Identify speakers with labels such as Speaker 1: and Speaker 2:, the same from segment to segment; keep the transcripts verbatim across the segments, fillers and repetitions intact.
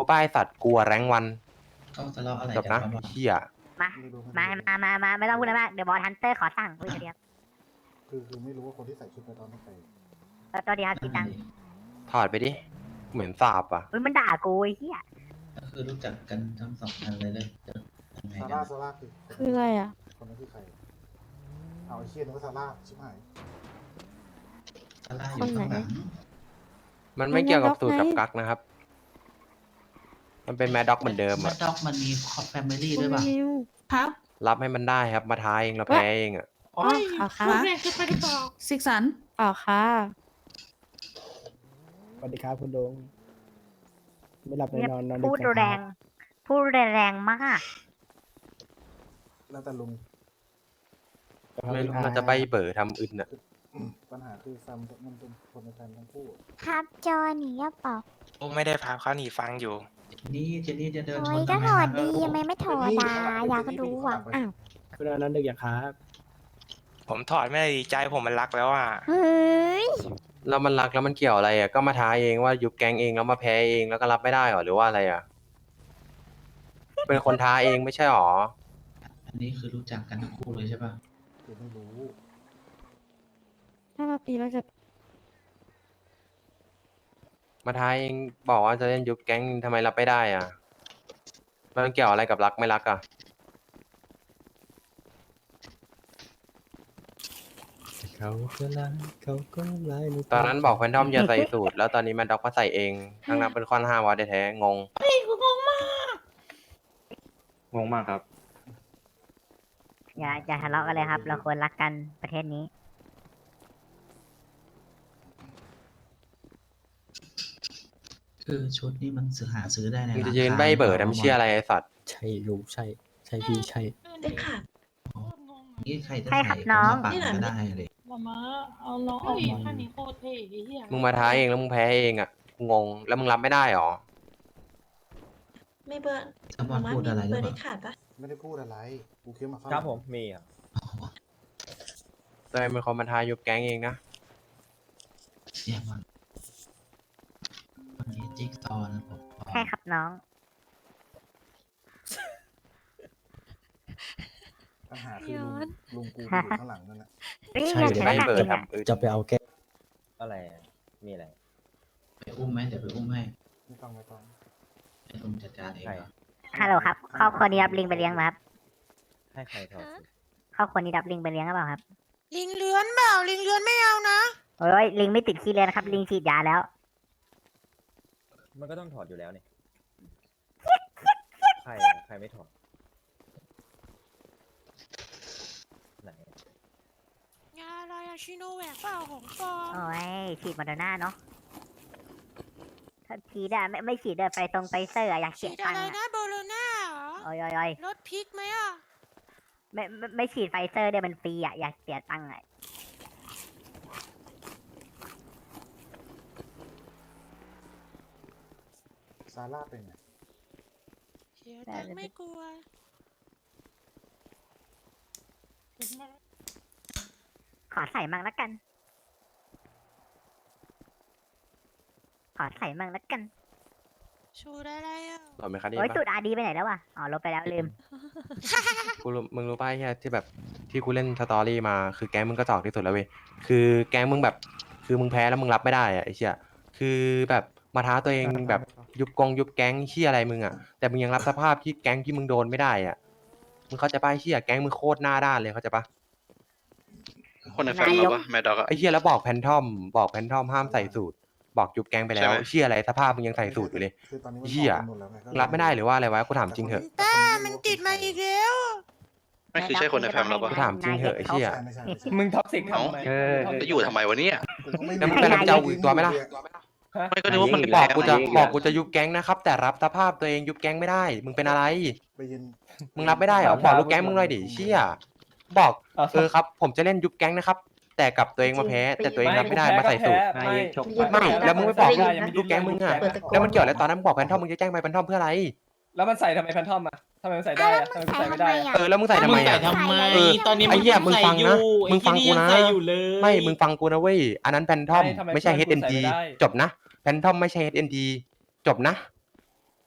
Speaker 1: ป้ายสัตว์กลัวแรงวัน
Speaker 2: เขาทะเลาะอะไร
Speaker 1: จบ
Speaker 2: กัน
Speaker 1: นะ
Speaker 2: บ้าง
Speaker 1: เหี้ย
Speaker 3: มามามามามาไม่ต้องพูดอะไรมากเดี๋ยวบอสฮันเตอร์ขอสั่งอุ้ยเดียว
Speaker 4: คือคือไม่รู้ว่าคนที่ใส่ชุดในตอนนั้นใคร
Speaker 3: ตัวเดียวกี่ตังค์
Speaker 1: ถอดไปดิเหมือนสาบอ่ะ
Speaker 3: อุ้ยมันด่ากูไอ้เหี้ย
Speaker 2: ก็คือรู้จักกันทั้งสองคนเลยเลยจะยังไง
Speaker 4: ซา
Speaker 2: กั
Speaker 4: ร่าน ซาร่าคือ
Speaker 5: คืออะไรอ่ะ
Speaker 4: คนนั้นคือใครเอาไอ้เชี่ยนึกว่าซาร่าชิบหาย
Speaker 2: ซาร่าอยู่ข้างหลัง
Speaker 1: มันไม่เกี่ยวกับสูตรกับกักนะครับ มันเป็นแมดด็อกเหมือนเดิม
Speaker 2: แม
Speaker 1: อ่ะ
Speaker 2: ดด็อกมันมีคอฟแฟมิลี่ด้วยป่ะ
Speaker 6: ครับ
Speaker 1: รับให้มันได้ครับมาท้าเองเราแพ้เองอ่ะ
Speaker 5: อ๋อเอาค่ะ
Speaker 6: คุณแรงเกินไปหรือเปล่าสิกสัน
Speaker 5: เอาค่ะ
Speaker 7: สวัสดีครับคุณลุงไม่หลับไม่
Speaker 3: เนี่ย
Speaker 7: นอนนอนดึก
Speaker 3: พูด
Speaker 7: จัง
Speaker 3: แร
Speaker 7: ค
Speaker 3: ง
Speaker 7: รับ
Speaker 3: พูดแรงมาก
Speaker 4: แล้วแต่ลุง
Speaker 1: ไม่รู้มันจะใบเบอร์ทำอึนอ่ะ
Speaker 4: ปัญหาคือซัมมันเป็นคนในแฟนทั้งคู่
Speaker 8: ครับจอหนีหรือเปล่า
Speaker 9: โอ้ไม่ได้พาเขาหนีฟังอยู่
Speaker 2: นี่เจนนี่จะเดินช
Speaker 8: โอ้
Speaker 2: น
Speaker 8: ยก็
Speaker 2: ทำไม
Speaker 8: ถอด
Speaker 2: นะ
Speaker 8: ดีทำไมไม่ถอดอ่ะอยากรู้อ่ะ
Speaker 3: อ้าว
Speaker 7: คุณนอนนอนดึกอย่างครับ
Speaker 9: ผมถอดไม่ได้ดีใจผมมันรักแล้วอ่ะ
Speaker 8: เฮ้ย
Speaker 1: แล้วมันรักแล้วมันเกี่ยวอะไรอ่ะก็มาท้าเองว่ายุบแก๊งเองแล้วมาแพ้เองแล้วก็รับไม่ได้หรอหรือว่าอะไรอ่ะ เป็นคนท้าเองไม่ใช่หรอ
Speaker 2: อันนี้คือรู้จักกันทั้งคู่เลยใช่ป่ะ
Speaker 4: คือไม่รู้
Speaker 5: ถ้ามาปีเราจะ
Speaker 1: มาท้าเองบอกว่าจะเล่นยุบแก๊งทำไมรับไม่ได้อ่ะมันเกี่ยวอะไรกับรักไม่รักอ่ะ
Speaker 7: เขาก็รักเขาก็ไล่ไม่
Speaker 1: ตอนนั้นบอกแฟนทอมอย่าใส่สูตรแล้วตอนนี้แมดด็อกมาใส่เองทั้งนั้นเป็นข้อห้ามวัดแท้ๆงง
Speaker 10: งงมากครับ
Speaker 3: อย่าอย่าทะเลาะกันเลยครับ เราควรรักกันประเทศนี้
Speaker 2: คือชุดนี้มันซื้อหาซื้อได้ใน
Speaker 1: มึง
Speaker 2: ร้า
Speaker 1: จะ
Speaker 2: น
Speaker 1: ยืนใบเบอร์ทำเชี่ยอะไรไอ้สัตว์
Speaker 7: ใช่ลุงใช่ ใช่พี่ใช่
Speaker 6: ได้ค่ะ
Speaker 2: นี่ใครจะ
Speaker 3: ใช่
Speaker 2: ใส่
Speaker 3: ครับ
Speaker 2: ก็
Speaker 3: น้อง
Speaker 2: มาปั่นก็ได้เลย
Speaker 6: มามาเอาน้องออกมาท่านนี้โคตรเท่ไอ้เหี้ย
Speaker 1: มึงมาท้าเองแล้วมึงแพ้เองอ่ะกูงงแล้วมึงรับไม่ได้หรอ
Speaker 6: ไม่เบอร์
Speaker 2: ถ้าบอลพูดอะไรหรือเปล่า
Speaker 4: ไม่ได้พูดอะไรกูเคี้ยวมาเข้า
Speaker 10: ครับผมมีอ่ะ
Speaker 1: ตัวเองเป็นคนมาท้ายุบแก๊งเองนะ
Speaker 2: เนี่ยมันวันนี้จิ๊กซอว์นะผม
Speaker 3: ใช่ครับน้อง
Speaker 4: ปัญหาคือลุงลุงกูอยู่ข้างหลังนั่นแหละ
Speaker 3: เฮ้ย
Speaker 7: ใช่
Speaker 3: อย่า
Speaker 7: เดี๋ยว
Speaker 3: ใช้
Speaker 1: ใบ
Speaker 3: หนัก
Speaker 1: เบอ
Speaker 3: จริ
Speaker 1: ร์
Speaker 3: งอ่ะ
Speaker 1: ทำอึด
Speaker 7: จะไปเอาแก้
Speaker 10: อะไรอะมีอะไร
Speaker 2: ไปอุ้มไหมเดี๋ยวไปอุ้มให้
Speaker 4: ไม่ต้องไม่ต้อง
Speaker 2: ให้อุ้มจัดการเอง
Speaker 10: ใคร
Speaker 2: เหรอ
Speaker 3: ฮัลโหลครับครอบครัวนี้รับลิงไปเลี้ยงไหมครับ
Speaker 10: ให้ใครถอดสูตร
Speaker 3: ครอบครัวนี้รับลิงไปเลี้ยงหรือเปล่าครับ
Speaker 6: ลิงเลื้อนเปล่าลิงเลื้อนไม่เอานะ
Speaker 3: โอ้ยลิงไม่ติดขี้เลือนครับลิงฉีดยาแล้ว
Speaker 10: มันก็ต้องถอดอยู่แล้วเนี่ยใครอะใครไม่ถอดไหน
Speaker 6: ยาอะไรอะชิโนแวคเปล่าของปลอม
Speaker 3: โอ้ยฉีดโมเดอร์นาเนาะถ้าฉีดอะไม่ไม่ฉีดเดินไปตรงไปเซอร์อะอยากเสี
Speaker 6: ฉี
Speaker 3: ย
Speaker 6: ด
Speaker 3: ตั
Speaker 6: อะ
Speaker 3: ง
Speaker 6: ไร
Speaker 3: ค์อะ
Speaker 6: นะโบโลน่าเหรอ
Speaker 3: โอ้ยโอ้ยโอ้ย
Speaker 6: รถพริกไหมอะ
Speaker 3: ไม่ไม่ไม่ฉีดไฟเซอร์เดี๋ยวมันฟรีอะอยากเสียตังค์อะ
Speaker 4: ซาร่าเป็นไง
Speaker 6: เสียตังค์ไม่กลัว
Speaker 3: ขอใส่มั่งละกัน ขอใส่มั่งละกัน
Speaker 6: ชูอะไรอะ
Speaker 1: หรอไหมครับนี่
Speaker 3: โอ้ย
Speaker 1: ปะ
Speaker 3: ตูดอาดีไปไหนแล้ววะอ๋อลบไปแล้วลืม
Speaker 1: กูรู้มึงรู้ป่ะไอ้เหี้ยที่แบบที่กูเล่นสตอรี่มาคือแก๊งมึงก็จอกที่สุดแล้วเว้ยคือแก๊งมึงแบบคือมึงแพ้แล้วมึงรับไม่ได้อะไอ้เชี่ยคือแบบมาท้าตัวเองแบบยุบกองยุบแก๊งเชี่ยอะไรมึงอ่ะแต่มึงยังรับสภาพที่แก๊งที่มึงโดนไม่ได้อ่ะมึงเข้าใจป่ะไอ้เชี่ยแก๊งมึงโคตรหน้าด้านเลยเข้าใจป่ะ
Speaker 9: คนในแฟนเราปะแมดด็อกอะ
Speaker 1: ไอ้เชี่ยแล้วบอกแพนทอมบอกแพนทอมห้ามใส่สูตร บอกยุบแก๊งไปแล้วเชี่ยอะไรสภาพมึงยังใส่สูตรอยู่เลย
Speaker 4: คือตอนนี้มัน
Speaker 1: เหี้ย
Speaker 4: ออกกันหมดแล้วไงก็
Speaker 1: รับไม่ได้หรือว่าอะไรวะกูถามจริงเถอะ
Speaker 6: ต้ามันติดมาอีกแล้ว
Speaker 9: ไม่คือใช่คนในแฟนเราปะ
Speaker 1: กูถามจริงเหอะไอ้เหี้ย
Speaker 4: ใช่ไม่ใช่ไม่ใช่
Speaker 10: มึงท็อกซิกทำไม
Speaker 9: เออ จะอยู่ทำไมวะเนี่ย
Speaker 4: กูก็ไม่
Speaker 1: แล้วมึงกำลังจะเอาอีกตัวไหมล่ะ
Speaker 9: ไม่ก็นึกว่ามัน
Speaker 1: บ
Speaker 9: แร
Speaker 1: อก
Speaker 9: ง
Speaker 1: กูจะ
Speaker 9: อะไร
Speaker 1: บอกกูจะยุบแก๊งนะครับ แต่รับสภาพตัวเองยุบแก๊งไม่ได้ มึงเป็นอะไร
Speaker 4: ไปยืน
Speaker 1: มึงรับไม่ได้เหรอบอกยุบแก๊งมึงหน่อยดิเชี่ยบอกเออครับ ผมจะเล่นยุบแก๊งนะครับ แต่กลับตัวเองมาแพ้ แต่ตัวเองรับไม่ได้มาใส่สูตร
Speaker 10: ไม่ชก
Speaker 1: ไม่แล้วมึงไม่บอก
Speaker 10: ด้ยัง
Speaker 1: ยุบแก๊งมึงอ่ะแล้วมันเกี่ยวอะไรตอนนั้นมึงบอกแพนทอมมึงจะแจ้งไปแพนทอมเพื่ออะไร
Speaker 10: แล้วมันใส่ทำไมแพนทอมอะทำไมมันใส่ได้อะทำไมมันใส่ไม่ได้อะ
Speaker 1: เออแล้วมึงใส่ทำไมอ่ะ เออ
Speaker 8: ตอนนี้
Speaker 1: ไอ้เหี้ยมึงฟังนะมึงฟังกูนะไม่มึงฟังกูนะเว้ยอันนั้นแพนทอมไม่ใช่ เอช เอ็น ดี จบนะแพนทอมไม่ใช่ เอช เอ็น ดี จบนะ จ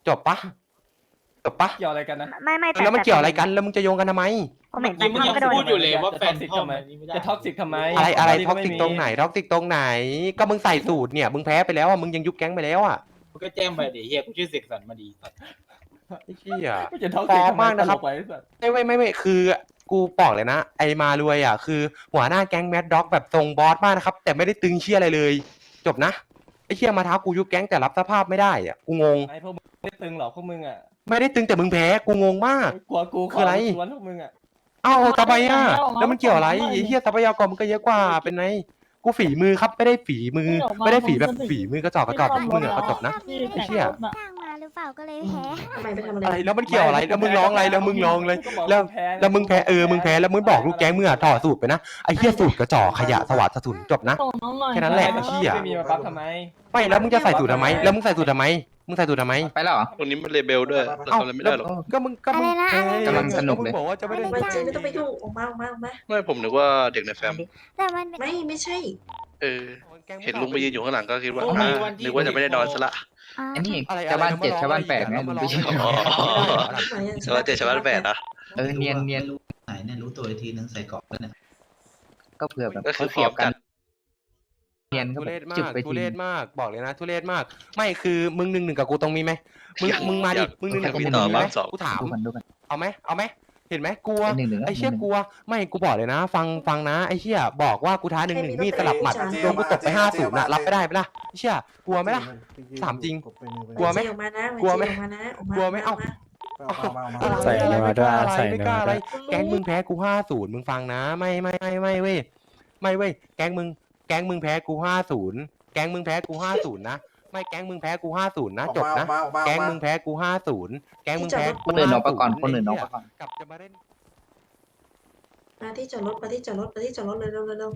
Speaker 1: จบปะจบปะ
Speaker 10: เกี่ยวอะไรกันนะ
Speaker 3: ไม่ไม่แต่
Speaker 1: แล้วมันเกี่ยวอะไรกันแล้วมึงจะโยงกันทำไม
Speaker 3: ผมเห็นแฟ
Speaker 4: เมื่อน
Speaker 3: ท
Speaker 4: กี้
Speaker 3: อมก็โดน
Speaker 4: มึงยังพูดอยู่เลยว่า
Speaker 10: จะ
Speaker 4: แฟน
Speaker 10: toxic
Speaker 4: ทอม
Speaker 10: ทำไม
Speaker 4: อันนี้ไม่ได้
Speaker 10: จะท็อกซิกทำไม
Speaker 1: อะไรอะไร
Speaker 10: ต
Speaker 1: ท็อกซิกตรงไหนท็อกซิกตรงไหน ก็มึงใส่สูตรเนี่ยมึงแพ้ไปแล้วอ่ะมึงยังยุบแก๊งไปแล้วอ่ะ
Speaker 4: มึงก็แจ้งไปดิเฮียกูชื่อเสกสรรมาดีสัตว์
Speaker 1: ไอ้เหี้ย
Speaker 10: ไม่จะท็อกซิก
Speaker 1: ปลอม
Speaker 10: ทำไม
Speaker 1: มากนะครับ
Speaker 10: ตลไปสัตว์
Speaker 1: ไม่ไม่ไม่ไม่คือกูบอกเลยนะ ไอมารวยอ่ะคือหัวหน้าแก๊งแมดด็อกแบบทรงบอสมากนะครับ แต่ไม่ได้ตึงเชี่ยอะไรเลย จบนะไอเชี่ยมาท้ากูยุบแก๊งแต่รับสภาพไม่ได้อ่ะกูงง
Speaker 10: ไอ้พวกมึงไม่ตึงหรอกพวกมึงอ่ะ
Speaker 1: ไม่ได้ตึงแต่มึงแพ้กูงงมาก
Speaker 10: กลัวกู
Speaker 1: คืออะไร
Speaker 10: สวนพวกมึงอ่ะ
Speaker 1: เอ้าทำไมอ่ะแล้วมันเกี่ยวอะไรไอ้เหี้ยทรัพยากรมันก็เยอะกว่าเป็นไงกูฝีมือครับไม่ได้ฝีมือ ไม่ได้ฝีแบบฝีมือกระจอกกระจอกแบบมึงอ่ะก็จบนะ
Speaker 8: มี
Speaker 1: ไอ้เหี้ย
Speaker 8: จ้างมาหรือเปล่าก็เลยแพ้
Speaker 11: ทำไมไปทำอะไร
Speaker 1: อะไรแล้วมันเกี่ยวอะไรแล้วมึงร้องอะไรแล้วมึงร้องเลย
Speaker 10: ก็บอก
Speaker 1: แล้ว
Speaker 10: มึงพ้
Speaker 1: แล้วมึงแพ้เออมึงแพ้แล้วมึงบอกลูกแก๊งมึงอ่ะถอดสูตรไปนะไอ้เหี้ยสูตรกระจอกขยะสวัสดิ์สะทุนจบนะ แค่นั้นแหละ
Speaker 10: ไม่
Speaker 1: เหี้ย
Speaker 10: ไม่มีมาปั๊บทำไม
Speaker 1: ไม่แล้วมึงจะใส่สูตรทำไมแล้วมึงใส่สูตรทำไมมึงใส่สูตรทำไม
Speaker 7: ไปแล้วเหรอ
Speaker 9: ตรงนี้มันเลเบลด้วยเรา
Speaker 1: เอ้า
Speaker 9: ทำอะไรไม่ได้หรอก
Speaker 1: ก็มึงก็มึง
Speaker 8: อะไรนะ
Speaker 1: เออก
Speaker 7: ำลังสนุกเลย
Speaker 1: มึงบอกว่าจะไม่ได้
Speaker 11: ไม่จริงไม่ต้องไปยุ่งออกมาออกมาออกมา
Speaker 9: ไม่ผมนึกว่าเด็กในแฟม
Speaker 8: แต่มันเป็น
Speaker 11: ไม่ไม่ใช่
Speaker 9: เออ เห็นลุงไปยืนอยู่ข้างหลังก็คิดว่า
Speaker 4: โอ้
Speaker 9: อ่า
Speaker 4: มีวันที่
Speaker 9: นึกว่าจะไม่ได้นอนซะละ
Speaker 8: อ่า
Speaker 7: อันนี้
Speaker 1: อะไร
Speaker 7: ชาวบ้าน
Speaker 1: อะไร
Speaker 7: เจ็ด
Speaker 1: ม
Speaker 7: ชาวบ้านแปดไง
Speaker 1: มา
Speaker 7: มึง
Speaker 1: ร้
Speaker 7: ไป
Speaker 1: อง
Speaker 7: เชื่อ
Speaker 9: อ๋อ
Speaker 11: ไหนอะ
Speaker 9: ชาวบ้านเจ็ดชาวบ้านแปดนะ
Speaker 7: เออเนียนเนียน
Speaker 2: รู้ไหนเนี่ยรู้ตัวอีกทีนึงใส่เกราะแล้วเนี่ย
Speaker 7: ก็เผื่อแบบ
Speaker 9: ก็คือ
Speaker 7: เขาเสียบ
Speaker 9: พร้อมกั
Speaker 7: กัน นเนียนก็
Speaker 1: ทุ
Speaker 7: แบ
Speaker 1: เรศ
Speaker 7: บ
Speaker 1: มา
Speaker 7: จึก
Speaker 1: ก
Speaker 7: ไป
Speaker 1: ทุ
Speaker 7: ที
Speaker 1: เรศมากบอกเลยนะทุเรศมาก ไม่คือมึงหนึ่งหนึ่งกับกูตรงมีไหมมึงมึงมาดิมึงหนึ่งหนึ่งกับ
Speaker 9: มี
Speaker 1: กู
Speaker 9: ต่
Speaker 1: ต
Speaker 9: อ
Speaker 1: รงมีไหม
Speaker 9: บ้างสอง
Speaker 1: กูถาม
Speaker 7: ดูกันดูกัน
Speaker 1: เอาไหมเอาไหมเห็นไหมกลัว
Speaker 7: หนึ่งหนึ่ง
Speaker 1: ไอ้เชี่ย
Speaker 7: หนึ่งหนึ่ง
Speaker 1: กลัวไม่กูบอกเลยนะ ฟังฟังนะไอ้เชี่ยบอกว่ากูท้าหนึ่งหนึ่งมีดสลับหมัดโดนกูตบไปห้าศูนย์นะรับไม่ได้ไหมล่ะไอ้เชี่ยกลัวไหมล่ะ ถามจริงกลัวไหม
Speaker 11: ออกมานะ
Speaker 1: กลัวไหม
Speaker 11: ออกมานะออกมาก
Speaker 1: ลัวไหมเอ้า
Speaker 7: ใส่เนื้อด้วยใส่
Speaker 1: ไม่
Speaker 7: เนื้
Speaker 1: ก
Speaker 7: อ
Speaker 1: ล้าอะไร
Speaker 7: ด้วย
Speaker 1: แก๊งมึงแพ้กูห้าศูนย์มึงฟังนะ ไม่ไม่ไม่ไม่เว้ยไม่เว้ยแก๊งมึงแก๊งมึงแพ้กูห้าศูนย์แก๊งมึงแพ้กูห้าศูนย์นะไม่แก๊งมึงแพ้กูห้าศูนย์นะจบนะแก๊งมึงแพ้กูห้าศูนย์แก๊งมึงแพ้
Speaker 7: คนอื่นออกไปก่อนคนอื่นออกไปก่อน
Speaker 1: กลับจะมาเล่น
Speaker 11: มาที่จอดรถมาที่จอดรถมาที่จอดรถเลยเร็วเร็วเร็ว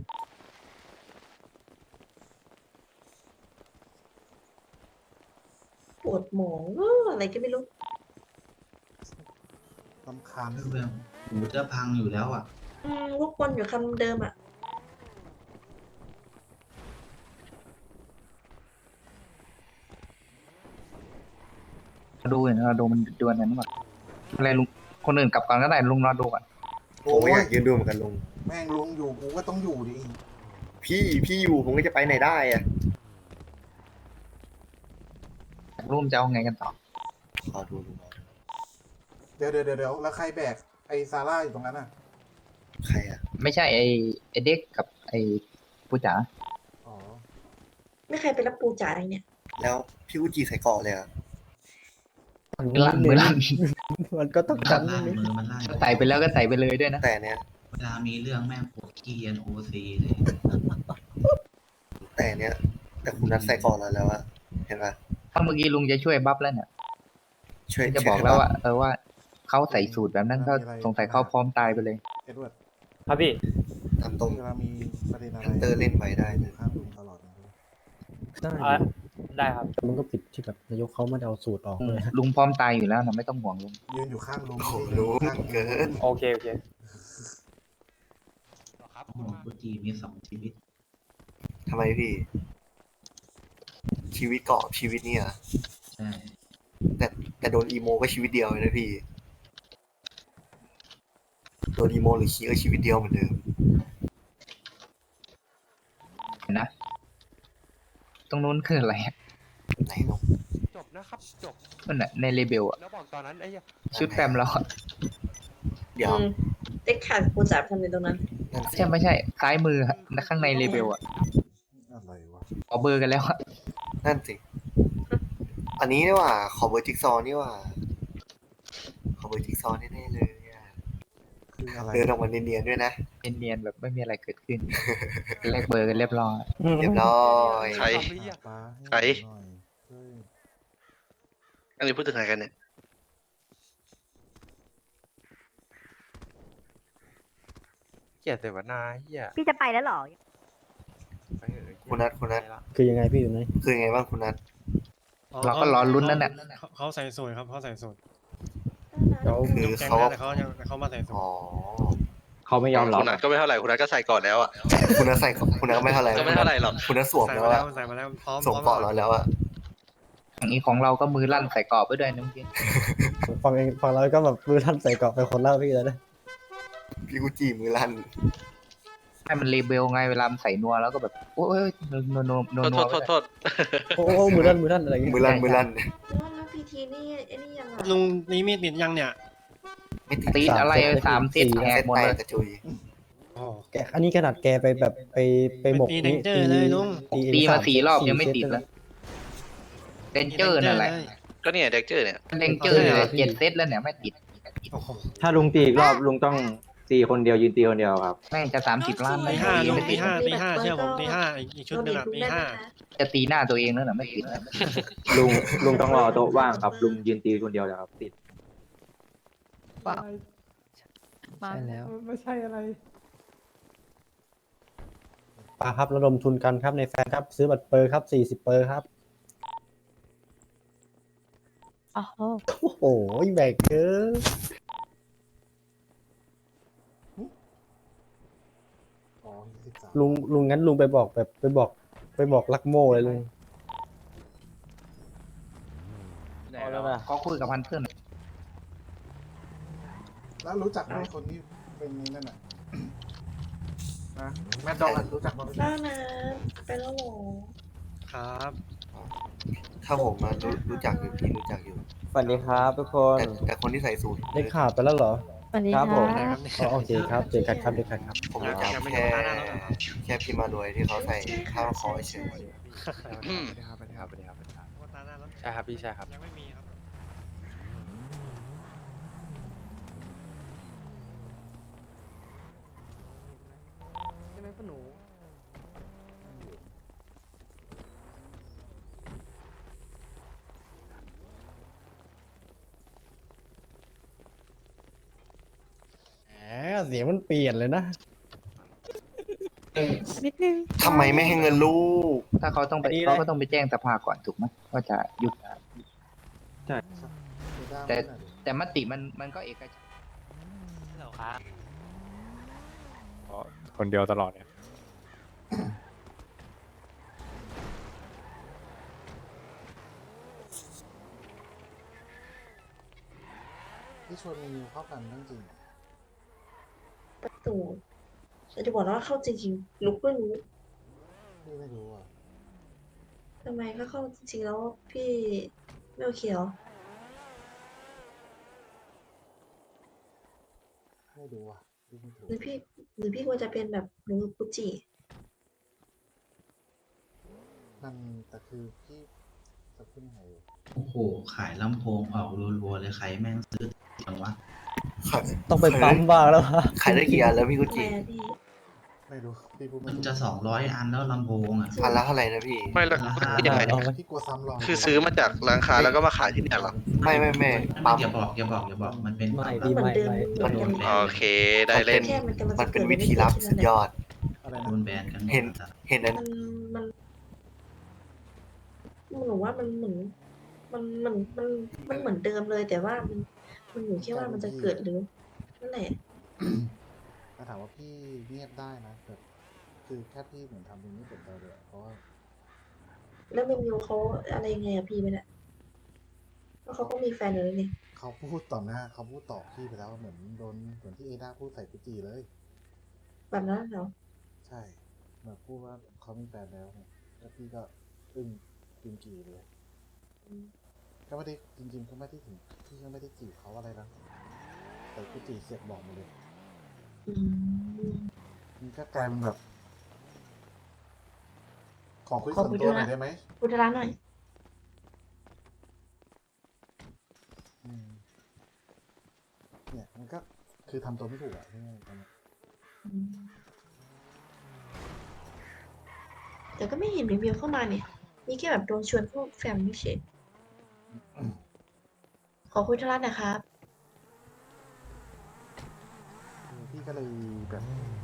Speaker 11: ปวดหมองเอออะไรก็ไม่รู้
Speaker 4: ลำคาญ
Speaker 2: เรื่องหูจะพังอยู่แล้วอ่ะ
Speaker 11: อืมวกวนอยู่คำเดิมอ่ะ
Speaker 7: ดูเห็นเราดูมันดวลกันก่อนอะไรลุงคนอื่นกลับก่อนก็ได้ลุงรอดูก่อน
Speaker 4: ผมก็อยากยืนดูเหมือนกันลุงแม่งลุงอยู่กูก็ต้องอยู่ดิ
Speaker 12: พี่พี่อยู่ผมก็จะไปไหนได้อะ
Speaker 7: รูมจะเอาไงกันต่อ
Speaker 12: ขอดูลุง
Speaker 4: เดี๋ยวเดี๋ยวเดี๋ยวแล้วใครแบกไอ้ซาร่าอยู่ตรงนั้นอ่ะ
Speaker 12: ใครอ่ะ
Speaker 7: ไม่ใช่ไอไอเด็กกับไอปูจ๋า
Speaker 4: อ๋อ
Speaker 11: ไม่ใครไปรับปูจ่าอะไรเนี่ย
Speaker 12: แล้วพี่อุจิใส่เกราะเลยอ่ะ
Speaker 7: ลั่นมือลั่นมันก็ต้อง
Speaker 2: มันลั่นมือมันลั่น
Speaker 7: ใส่ไปแล้วก็ใส่ไปเลยด้วยนะ
Speaker 12: แต่เนี้ย
Speaker 2: เวลามีเรื่องแม่งโคตรเกรียนโอซีเลย
Speaker 12: แต่เนี้ยแต่คุณนัดใส่เกราะแล้วแล้วอะเห็นปะ
Speaker 7: ถ้าเมื่อกี้ลุงจะช่วยบัฟแล้วเนี่ย
Speaker 12: ช่วย
Speaker 7: จะบอกแล้วว่าเออว่าเขาใส่สูตรแบบนั้นก็สงสัยเขาพร้อมตายไปเลย
Speaker 4: เอ็ดเวิร์ด
Speaker 10: ครับพี่
Speaker 12: ทำตรง
Speaker 4: เวลามีประเด็นอะไร
Speaker 12: ฮันเตอร์เล่นไว้ได้นะ
Speaker 4: ข้างลุงตลอดนะ
Speaker 10: อ่ะได้ครับ
Speaker 7: มันก็ผิดที่แบบนายกเขาไม่เอาสูตรออกเลยลุงพร้อมตายอยู่แล้วนะไม่ต้องห่วงลุง
Speaker 4: ยืนอยู่ข้างลุง
Speaker 12: โอ้โหลุงเกิน
Speaker 10: โอเคโอเค
Speaker 1: ครับ
Speaker 2: โอ้โหกูจีมีสองชีวิต
Speaker 12: ทำไมพี่ ชีวิตเกราะชีวิตเนี่ย
Speaker 2: ใช่
Speaker 12: แต่แต่โดนอีโมก็ชีวิตเดียวเลยนะพี่โดนอีโมหรือคีก็ชีวิตเดียวเหมือนเดิม
Speaker 7: เห็นนะตรงนู้นคืออะไรอะ
Speaker 12: ไหนลุง
Speaker 1: จบนะครับจบ
Speaker 7: นั่นน่ะในเลเบลอะ
Speaker 1: แล้วบอกตอนนั้นไอ้เหี้ย
Speaker 7: ชุดแปมเราอะ
Speaker 12: เดี๋ยว
Speaker 11: อืมเด็กขาดปูจ่าไปทำในตรงนั้น
Speaker 12: นั่น
Speaker 7: ใช่ไม่ใช่ซ้ายมืออะข้างในเลเบลอะ
Speaker 4: อะไรวะ
Speaker 7: ขอเบอร์กันแล้วอะ
Speaker 12: นั่นสิ อันนี้นี่หว่า ขอเบอร์จิ๊กซอว์นี่หว่า ขอเบอร์จิ๊กซอว์แน่ๆเลยอะ
Speaker 4: คืออะไร
Speaker 12: เดินออกมาเนียนๆด้วยนะ
Speaker 7: เนียนๆแบบไม่มีอะไรเกิดขึ้นแลกเบอร์กันเรียบร้อย
Speaker 12: เรียบร้อย
Speaker 9: ใคร
Speaker 4: ปลา
Speaker 9: ใคร
Speaker 4: ให้หน่อยเฮ้ย
Speaker 9: อันนี้พูดถึงใครกันเนี่ย
Speaker 1: เกลียดเสวนาเหี้ย
Speaker 3: พี่จะไปแล้วเหรอ
Speaker 1: ไปเถอะ
Speaker 12: คุณนัทคุณนัท
Speaker 7: คือยังไงพี่อยู่ไหน
Speaker 12: คือไงบ้างคุณนัท
Speaker 7: เราก็รอลุ้นนั่นแหละ
Speaker 6: เขาใส่สูตรครับเขาใส่สูตร
Speaker 12: คือเขา
Speaker 6: แต่เขายังเขามาใส่สูตร
Speaker 12: อ๋อ
Speaker 7: เขาไม่ยอมหรอ
Speaker 9: คุณนัทก็ไม่เท่าไหร่คุณนัทก็ใส่ก่อนแล้วอ่ะ
Speaker 12: คุณนัทใส่คุณนัทก็ไม่เท่าไหร่
Speaker 9: ก็ไม่เท่าไหร่หรอก
Speaker 12: คุณนัทสวม
Speaker 6: ใส่
Speaker 12: แล้ว
Speaker 6: มาแล้
Speaker 12: อะ
Speaker 6: วใส่มาแล้วพร้อม
Speaker 12: สวม
Speaker 6: พร้อม
Speaker 12: เกราะเราแล้วอะ
Speaker 7: อย่างนี้ของเราก็มือลั่นใส่กรอบไปด้วยนะเมื่อกี้
Speaker 4: ฟังเองฟังเราก็แบบมือท่านใส่เกาะเป็นคนเล่าพี่แล้วนะ
Speaker 12: พี่กุจิมือลั่น
Speaker 7: ให้มันเลเบลไงเวลามันใส่นัวแล้วก็แบบโอ้ยนัวนัวนัวนัว
Speaker 9: โทษโทษโทษ
Speaker 4: โอ้โหมือท่านมือท่านอะไรอย่างเงี้ย
Speaker 12: มือลั่นมือลั่น
Speaker 11: แล้วแล้วพีทีนี่ไอ้นี่ยังไง
Speaker 6: ลุงนี่มีดติดยังเนี่ย
Speaker 12: ไม่ติด
Speaker 7: ตีนอะไรสามเซตแหกหมด
Speaker 12: แต
Speaker 7: เล
Speaker 12: ก
Speaker 7: ย
Speaker 12: กระจุย
Speaker 4: อ๋อแกอันนี้ขนาดแกไปแบบไปไปหมก
Speaker 6: มี danger เลยลุง
Speaker 7: ตีมาสี่รอบยังไม่ติดเลยเดนเจอร์นั่นแหละ
Speaker 9: ก็เนี่ยเด็กเจอเนี่ย
Speaker 7: เดนเจอร์เนี่ยเจ็ดเซตแล้วเนี่ยไม่ติด
Speaker 13: ถ้าลุงตีอีกรอบลุงต้องตีคนเดียวยืนตีคนเดียวครับ
Speaker 7: แม่งจะสามสิบล้าน
Speaker 6: ตี
Speaker 7: ไม่
Speaker 6: ห้าลุง
Speaker 7: ไม่
Speaker 6: ตี
Speaker 7: ติด
Speaker 6: ห้าตีห้าเชื่อผมตีห้าอีกชุดหนึ่งอ่ะตีห้า
Speaker 7: จะตีหน้าตัวเองแล้วน่ะไม่ติด
Speaker 13: ลุงลุงต้องรอโต๊ะว่างครับลุงยืนตีคนเดียวเลยครับติด
Speaker 5: ใช่แล้ว
Speaker 4: ไม่ใช่อะไรปาครับระดมทุนกันครับในแฟนครับ ซื้อบัตรเปอร์ครับสี่สิบเปอร์ครับ
Speaker 5: โอ้โห
Speaker 4: โอ้โหแบกเกินลุงลุงงั้นลุงไปบอกแบบไปบอกไปบอกลักโม่เลยลุง
Speaker 7: เขาคุยกับพันเพื่อน
Speaker 4: แล้วรู้จักไหมคนที่เป็นนั่นน่ะนะแม่ดองรู้จักมั้ย
Speaker 11: บ้างนะไปแล้วเหรอ
Speaker 6: ครับ
Speaker 12: ถ้าผมมารู้รู้จักอยู่พี่รู้จักอยู่
Speaker 13: สวัสดีครับทุกคน
Speaker 12: แต่แต่คนที่ใส่สูท
Speaker 4: ได้ข่าวไปแล้วเหรอ
Speaker 5: สวัสดี
Speaker 13: ค
Speaker 5: ค
Speaker 13: รั
Speaker 5: รั
Speaker 13: บบ ผม
Speaker 4: อ๋อโอเคครับเจอกันครับเจอกันครับ
Speaker 12: ผมรู้จักแค่แค่พี่มารวยที่เขาใส่ข้าวคอเฉย
Speaker 1: อืมครับสวัสดีครับสวัสดีครับสวัสดีครับใช่ครับพี่ใช่ครับ
Speaker 6: ยังไม่มีครับ
Speaker 10: ใช่ไหมพ่อหนู
Speaker 4: แหมเสียงมันเปลี่ยนเลยนะ
Speaker 5: นิดนึง
Speaker 12: ทำไมไม่ให้เงินลูก
Speaker 7: ถ้าเขาต้องไป
Speaker 4: อันนี้เลย
Speaker 7: เขาก็ต้องไปแจ้งสภาก่อนถูกไหมว่าจะหยุดแต่แต่มติมันมันก็เอกฉันท์
Speaker 13: คนเดียวตลอดเนี่ย
Speaker 4: ที่ชวนมีเข้ากันเรื่องจริง
Speaker 11: ประตูแต่จะบอกว่าเข้าจริงๆลุกก็รู้
Speaker 4: พี่ไม่รู้อ่ะ
Speaker 11: ทำไมถ้าเข้าจริงๆแล้วพี่ไม่โอเคเหรอ
Speaker 4: ไม่รู้อ่ะพี่ไม่ถูก
Speaker 11: หรือพี่หรือพี่ควรจะเป็นแบบหนูกุจิ
Speaker 4: มันแต่คือพี่จะพูดยังไงดี
Speaker 2: โอ้โห ขายลำโพงออกรัวๆเลยใครแม่งซื้อจังวะ
Speaker 12: ขาย
Speaker 4: ต้องไปปั๊มบ้างแล้วฮะ
Speaker 12: ขายได้กี่อันแล้วพี่กุ
Speaker 11: ทำไม
Speaker 12: จิ
Speaker 11: อะพี่
Speaker 4: ไม่รู้พี่พูดไม่
Speaker 2: มัน
Speaker 4: ถูก
Speaker 2: จะสองร้อยอันแล้วลำโพงอ่ะ
Speaker 12: อันละเท่าไหร่นะพี่
Speaker 9: ไม่แล้ว
Speaker 2: ราคา
Speaker 9: ยังไง
Speaker 4: เอาไหมพี่กลัวซ้ำรอย
Speaker 9: คือซื้อมาจากร้านค้าแล้วก็มาขายที่เนี่ยเหรอ
Speaker 12: ไม่ไม่ไม่
Speaker 2: ไม่
Speaker 12: ปั๊ม
Speaker 2: อย่าบอกอย่าบอกอย่าบอกมันเป็น
Speaker 4: ไม่
Speaker 11: ก็
Speaker 4: พี่
Speaker 11: เหมือน
Speaker 4: ไม่
Speaker 11: เดิม
Speaker 4: ไม่
Speaker 11: เหมือนกันเลย
Speaker 9: โอเคได้เล่น
Speaker 11: แค่มันกำลัง
Speaker 12: มั
Speaker 11: จะ
Speaker 12: น
Speaker 11: เกิ
Speaker 12: เป็
Speaker 11: ด
Speaker 12: นวิธีลับสุดยอด
Speaker 4: อะไร
Speaker 2: โด
Speaker 4: นะ
Speaker 2: นแบนกันหมด
Speaker 12: เห็น
Speaker 2: อะ
Speaker 12: เห็นนั้น
Speaker 11: มันมันหนูว่ามันเหมือนมันมันมันมันเหมือนเดิมเลย แต่ว่ามันมันอยู่แค่ว่ามันจะเกิดหรือนั่นแหละ
Speaker 4: ถ้าถามว่าพี่เงียบได้นะแต่คือแค่พี่เหมือนทำเป็นไม่สนใจเลยเพราะว่า
Speaker 11: แล้วเมมยูเขาอะไรยังไงอะพี่ไปเนี่ยเพราะเขาก็มีแฟนอยู่แล้วนี่
Speaker 4: เขาพูดต่อหน้าเขาพูดต่อพี่ไปแล้วเหมือนโดนเหมือนที่เอด้าพูดใส่กุจีเลย
Speaker 11: แบบนั้นเหรอ
Speaker 4: ใช่แบบพูดว่าเขามีแฟนแล้วเนี่ยแล้วพี่ก็อึ้งกินกีเลย ก็ไม่ได้จริงๆก็ไม่ได้ถึงพี่ก็ไม่ได้จีบเขาอะไรนะแต่กุจีเสียกบอกมาเลย
Speaker 11: อืม
Speaker 4: มันก็กลายเป็นแบบ ขอคุย
Speaker 11: ขอ
Speaker 4: ส่วน
Speaker 11: คุย
Speaker 4: ตัว
Speaker 11: ด้วย
Speaker 4: หน่อ
Speaker 11: นะ
Speaker 4: ยได้ไหม
Speaker 11: พุทธร้านหน่อย
Speaker 4: อืมเนี่ยมันก็คือทำตัวไม่ถูกอะที่นี่ตอนนี้
Speaker 11: อืมแต่ก็ไม่เห็นเมมยูเข้ามาเนี่ยนี่แค่แบบโดนชวนพวกแฟมไม่เฉยขอคุยธุระหนะครับ
Speaker 4: คือพี่ก็เลยแบบ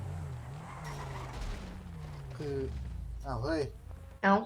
Speaker 4: คืออ้าวเฮ้ย
Speaker 11: เอ้า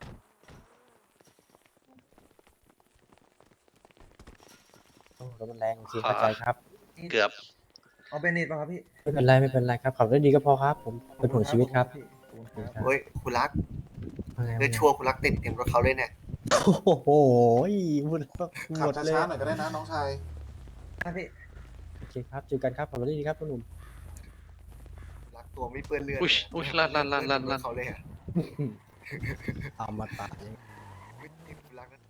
Speaker 4: โอ้รถมันแรงโอเคเข้าใจครับ
Speaker 9: เกือบ
Speaker 13: เอาเป็นนิดป่ะครับพี่
Speaker 4: ไม่เป็นไรไม่เป็นไรครับขับได้ดีก็พอครับ ผมเป็นห่วงชีวิตครับ
Speaker 12: เฮ้ยคุณรัก
Speaker 4: ว่าไง
Speaker 12: เลือดชั่วคุณรักติดเต็มรถเขาเลยเนี่ย
Speaker 14: โอ้โหพูดแล้ว
Speaker 4: ขับ
Speaker 14: หมดเลย
Speaker 4: ช้าๆหน่อยก็ได้นะน้องชาย
Speaker 14: โอเคครับเจอกันครับขอบคุณที่ดีครับคุณหนุ่ม
Speaker 12: รักตัวไม่เปื้อนเลือด
Speaker 9: อุ๊ยอุ๊ยลั่นลั่นลั่นลั่นลั่น
Speaker 12: เขาเลยอะ
Speaker 14: เอามาตาย
Speaker 12: รักนะ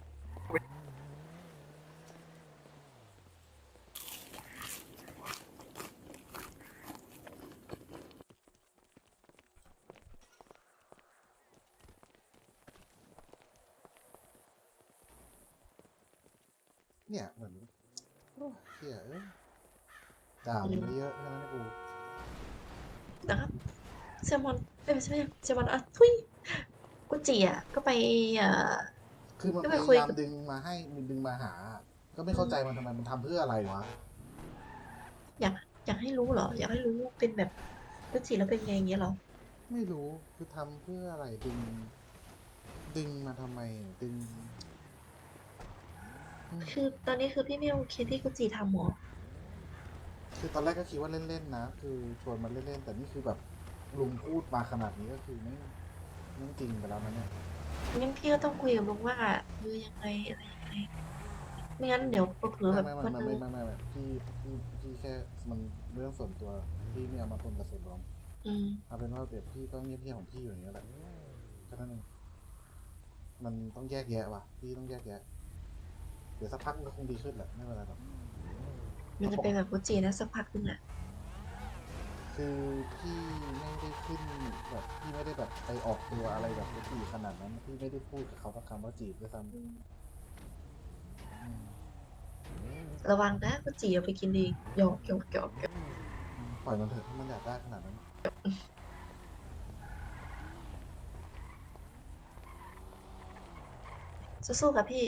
Speaker 4: เนี่ยเหมือนโอ้เฮียเอ้ยด่ามันเยอะๆนะกู
Speaker 11: นะครับเซลมอนเอ้ยไม่ใช่เซลมอนอ่ะทุยกุจิอ่ะก็ไปเอ่อ
Speaker 4: คือมัน
Speaker 11: ก็
Speaker 4: พ
Speaker 11: ไปคุย
Speaker 4: ยายาม
Speaker 11: กับ
Speaker 4: ดึงมาให้มันดึงมาหา ก็ไม่เข้าใจมันทำไมมันทำเพื่ออะไรวะ
Speaker 11: อยากอยากให้รู้เหรอ อยากให้รู้เป็นแบบกุจิแล้วเป็นไงอย่างเงี้ยเหรอ
Speaker 4: ไม่รู้คือทำเพื่ออะไรดึง ดึงมาทำไมดึงอืม
Speaker 11: คือตอนนี้คือพี่ไม่โอเคที่กุจิทำหรอ
Speaker 4: คือตอนแรกก็คิดว่าเล่นๆนะ คือชวนมันเล่นๆแต่นี่คือแบบลุงพูดมาขนาดนี้ก็คือไม่ไม่จริงไปแล้วนะเนี่ย
Speaker 11: งั้นพี่ก็ต้องคุยกับลุงว่าเออยังไงอะไรยังไงไม่งั้นเดี๋ยวเผลอๆ
Speaker 4: ไม่
Speaker 11: แบบ
Speaker 4: ไม่
Speaker 11: วัน
Speaker 4: ไม่
Speaker 11: นึ
Speaker 4: ไม่
Speaker 11: ง
Speaker 4: ไม่ไม่ไม่พี่พี่พี่แค่มันเรื่องส่วนตัวพี่ไม่เอามาปนกับส่วนรวม
Speaker 11: อืม
Speaker 4: เอาเป็นว่าเดี๋ยวพี่ก็เงียบๆของพี่อยู่อย่างเงี้ยแหละแค่นั้นเองมันต้องแยกแยะว่ะพี่ต้องแยกแยะ เดี๋ยวสักพักมันก็คงดีขึ้นแหละไม่เป็นไรหรอก
Speaker 11: มันจะเป็นแบบกุจินะสักพักนึงอ่ะ
Speaker 4: คือพี่ไม่ได้ขึ้นแบบพี่ไม่ได้แบบไปออกตัวอะไรแบบจีบขนาดนั้นพี่ไม่ได้พูดกับเขาสักคำว่าจีบด้วยซ้ำอืม
Speaker 11: ระวังนะกุจิเอาไปกินดีหยอกหยอกหยอกหยอก
Speaker 4: ปล่อยมันเถอะถ้ามันอยากได้ขนาดนั้น
Speaker 11: สู้ๆกับพี่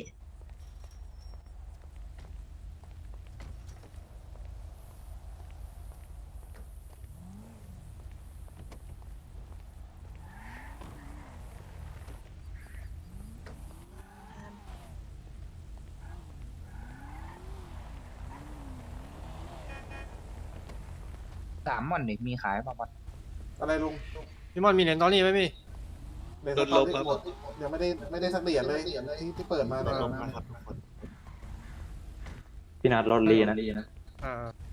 Speaker 7: สามหม่อนนี่มีขายป่ะบอส
Speaker 4: อะไรลุง
Speaker 10: พี่มอนมีเหรียญตอนนี้ไหมพี่
Speaker 4: เดี๋ยวตอนนี้หมดเดี๋ยวไม่ได้ไม่ได้สักเหรียญเลยที่ที่เปิดมาในยนะ
Speaker 13: พี่นัดรถลีนะ
Speaker 10: อ่า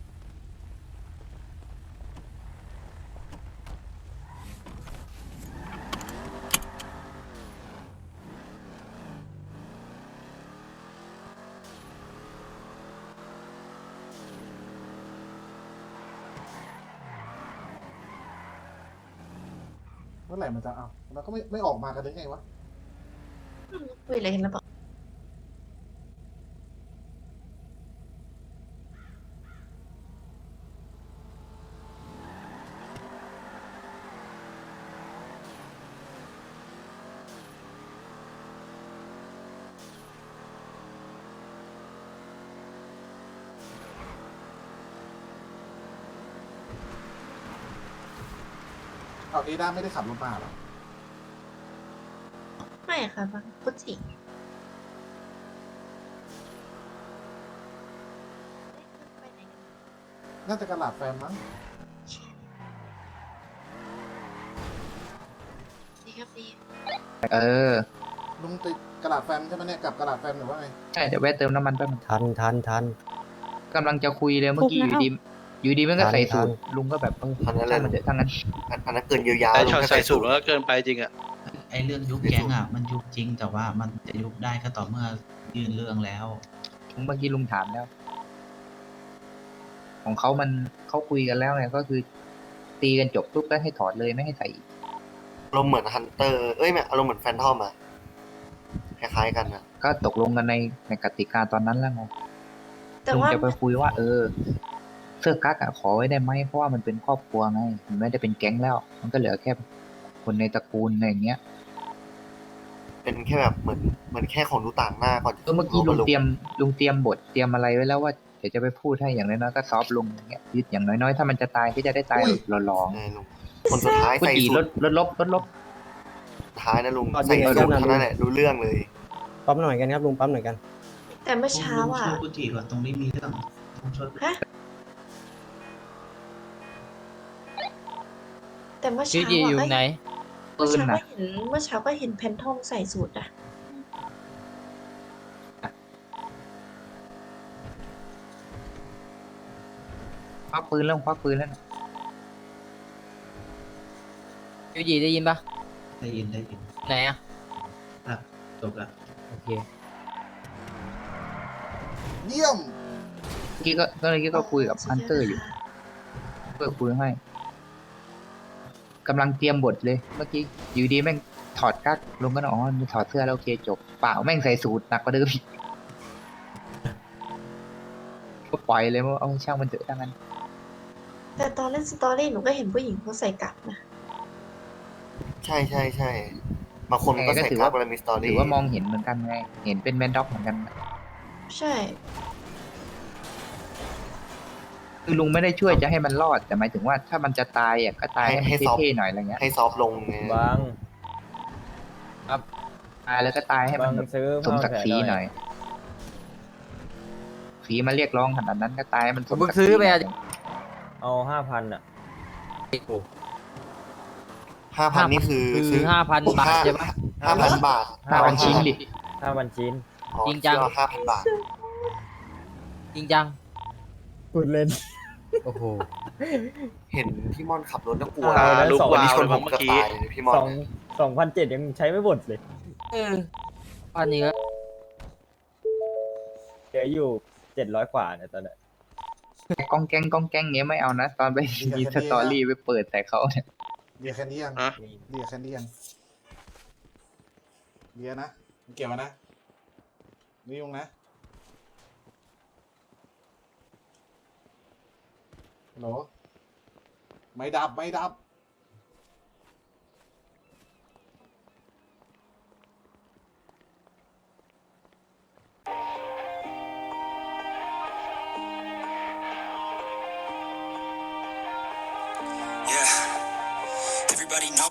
Speaker 4: เมื่อไหร่มันจะเอาแล้วก็ไม่ไม่ออกมากันได้ไงวะ
Speaker 11: คุยอะไรกันแล้วบอก
Speaker 4: เอาเอด้าไม่ได้ขับรถมาหรอ
Speaker 11: ไม่ค่ะบางกุจิ
Speaker 4: น่าจะกระหลาดแฟมมั้ง
Speaker 11: ดีครับดี
Speaker 7: เออ
Speaker 4: ลุงติดกระดาษแฟมใช่ไหมเนี่ยกับกระดาษแฟมหรือว่าไง
Speaker 7: ใช่เดี๋ยวแวะเติมน้ำมันแป๊บนึง
Speaker 14: ทันทันทัน
Speaker 7: กำลังจะคุยเลยเมื่อกี้อยู่ดีอยู่ดีมันก็ใส่สูตรลุงก็แบบ
Speaker 12: อันนั้นแห
Speaker 7: ช่า
Speaker 12: ละ
Speaker 7: งมันเถอะทั้งนั้น
Speaker 12: อันอันนั้นเกินเยียวยา
Speaker 2: แต่
Speaker 12: ลุง
Speaker 2: ช็อต
Speaker 12: ถ้า
Speaker 2: ใส่
Speaker 12: ใส่
Speaker 2: สู
Speaker 12: สู
Speaker 2: ต
Speaker 12: ต
Speaker 2: ร
Speaker 12: ร
Speaker 2: แล้วเกินไปจริงอ่ะไอเรื่องยุบแก๊งอ่ะมันยุบจริงแต่ว่ามันจะยุบได้ก็ต่อเมื่อยื่นเรื่องแล้ว
Speaker 7: เมื่อกี้ลุงถามแล้ว ของเขามันเขาคุยกันแล้วไงก็คือ ตีกันจบปุ๊บก็ให้ถอดเลยไม่ให้ใส่อีก
Speaker 12: อารมณ์เหมือนฮันเตอร์ เอ้ยไม่อารมณ์เหมือนแฟนทอมอะคล้ายๆกันอะ
Speaker 7: ก็ตกลงกันในในกติกาตอนนั้นแล้วไง
Speaker 11: แต่
Speaker 7: ลุง
Speaker 11: ว่า
Speaker 7: จะไปคุยว่า เออ เสื้อกั๊กอะขอไว้ได้ไหมเพราะว่ามันเป็นครอบครัวไงมันไม่ได้เป็นแก๊งแล้ว มันก็เหลือแค่คนในตระกูลอะไรอย่างเงี้ย
Speaker 12: เป็นแค่แบบเหมือนเหมือนแค่ของดูต่างหน้าก่อนจะ
Speaker 7: ก็เมื่อกี้ลุง
Speaker 12: ข้าา
Speaker 7: เตรียมลุงเตรียมบทเตรียมอะไรไว้แล้วว่าเดี๋ยวจะไปพูดให้อย่างน้อยๆก็ซอฟต์ลงอย่างเงี้ยยึดอย่างน้อยๆถ้ามันจะตายก็จะได้ตายหล่อ
Speaker 12: ใช่ลุงคนสุดท้าย
Speaker 7: ๆคน
Speaker 12: ใส่
Speaker 7: ดี
Speaker 12: สู
Speaker 7: ล
Speaker 12: ต
Speaker 7: ด
Speaker 12: ร
Speaker 7: ลดลบลดลบ
Speaker 12: ท้ายนะลุง
Speaker 14: ก่อน
Speaker 12: ใส่
Speaker 14: เดี๋ยว
Speaker 12: สูตร
Speaker 14: กันนะ
Speaker 12: เท่านั้นแหละรู้เรื่องเลย
Speaker 14: ปั๊มหน่อยกันครับลุงปั๊มหน่อยกัน
Speaker 11: แต่เมื่อเช้าอ่ะ
Speaker 2: ลุงช่วยกุจิก่อนตรงนี้มีเรื่องลุงช่วย
Speaker 11: ฮะแต่เมื่อเช้า
Speaker 5: พี่
Speaker 11: อ่ะ
Speaker 5: อยู่
Speaker 11: ก็
Speaker 5: ไหน
Speaker 11: เมื่อ
Speaker 7: ปืน
Speaker 11: เช้าก็
Speaker 7: น่ะ
Speaker 11: เห็นเมื่อเช้าก็เห็นแพนทองใส่สูตรอ่ะ
Speaker 7: ควักปืนแล้วควักปืนแล้วนะ
Speaker 5: ยูจีได้ยินปะ
Speaker 2: ได้ยินได้ยิน
Speaker 5: ไหนอะ
Speaker 2: อ่ะจบละ
Speaker 5: โอเค
Speaker 4: เยี่ยม
Speaker 7: เมื่อกี้ก็ก็เลยก็คุยกับฮันเตอร์อยู่เพื่อคุยให้กำลังเตรียมบทเลย เมื่อกี้อยู่ดีแม่งถอดกั๊กลงก็อ๋อถอดเสื้อแล้วโอเคจบเปล่าแม่งใส่สูทหนักกว่าเดิมอีกก็ปล่อยเลยว่าเอาช่างมันเถอะทั้งนั้น
Speaker 11: แต่ตอนเล่นสตอรี่หนูก็เห็นผู้หญิงเขาใส่กั๊กนะ
Speaker 12: ใช่ใช่ใช่บางคนมันก็
Speaker 7: แต่ก็
Speaker 12: ใส่
Speaker 7: ถือ
Speaker 12: กั๊
Speaker 7: ว่า
Speaker 12: กเวลามีสตอ
Speaker 7: ถื
Speaker 12: รี่
Speaker 7: อว่ามองเห็นเหมือนกันไงเห็นเป็นแมนด็อกเหมือนกัน
Speaker 11: ใช่
Speaker 7: คือลุงไม่ได้ช่วยจะให้มันรอดแต่หมายถึงว่าถ้ามันจะตายอ่ะก็ตาย
Speaker 12: ให้
Speaker 7: ให้
Speaker 12: ให้
Speaker 7: มัน
Speaker 12: ซอฟ
Speaker 7: เท่ๆหน่อยอะไรเงี้ย
Speaker 12: ให้ซอฟต์ลงไง
Speaker 14: บาง
Speaker 7: ตายแล้วก็ตายให้มัน
Speaker 14: บาง
Speaker 7: แบบ
Speaker 14: ซื้อ
Speaker 7: สมศักดิ์ศรีหน่อยสีมาเรียกร้องขนาดนั้นก็ตายให้มันสมศักดิ์ศรี
Speaker 5: ซื้อไปอะ
Speaker 14: เอาห้าพันอ่ะ
Speaker 12: ห้าพันนี่คือ
Speaker 5: คือห้าพันบาทใช่ปะ
Speaker 12: ห้าพันบาท
Speaker 7: ห้าพันชิ้นดิ
Speaker 14: ห้าพันชิ้น
Speaker 12: อ๋อ
Speaker 5: จริงจัง
Speaker 12: ห้าพันบาท
Speaker 5: จริงจัง
Speaker 14: พูดเล่น
Speaker 5: โอ้โห
Speaker 12: เห็นพี่ม่อนขับรถแล้วกลัว
Speaker 14: อ่าแล้ว
Speaker 12: ลูก
Speaker 14: สอง
Speaker 12: วันนี้ชน
Speaker 9: วาวเลย
Speaker 12: ผม
Speaker 9: เมื่
Speaker 12: เกือ
Speaker 9: อบ กี้
Speaker 12: ตายเลยพี่ม่อน
Speaker 14: สองสองพันเจ็ดยังใช้ไม่หมดเลย
Speaker 5: เอออันนี้ก็
Speaker 14: เหลืออยู่เจ็ดร้อยกว่าเนี่ยตอนเนี้ย
Speaker 7: กองแกงกองแกงเงี้ยไม่เอานะตอนไปมีสตอรี่ไปเปิดแต่เขาเนี่ย
Speaker 4: เบียร์แค่นี้ยัง
Speaker 9: อะ
Speaker 4: เบียร์แค่นี้ยังเบียร์นะมึงเก็บมานะนี่ยุงนะฮัลโหลไม่ดับไม่ดับ
Speaker 6: Everybody know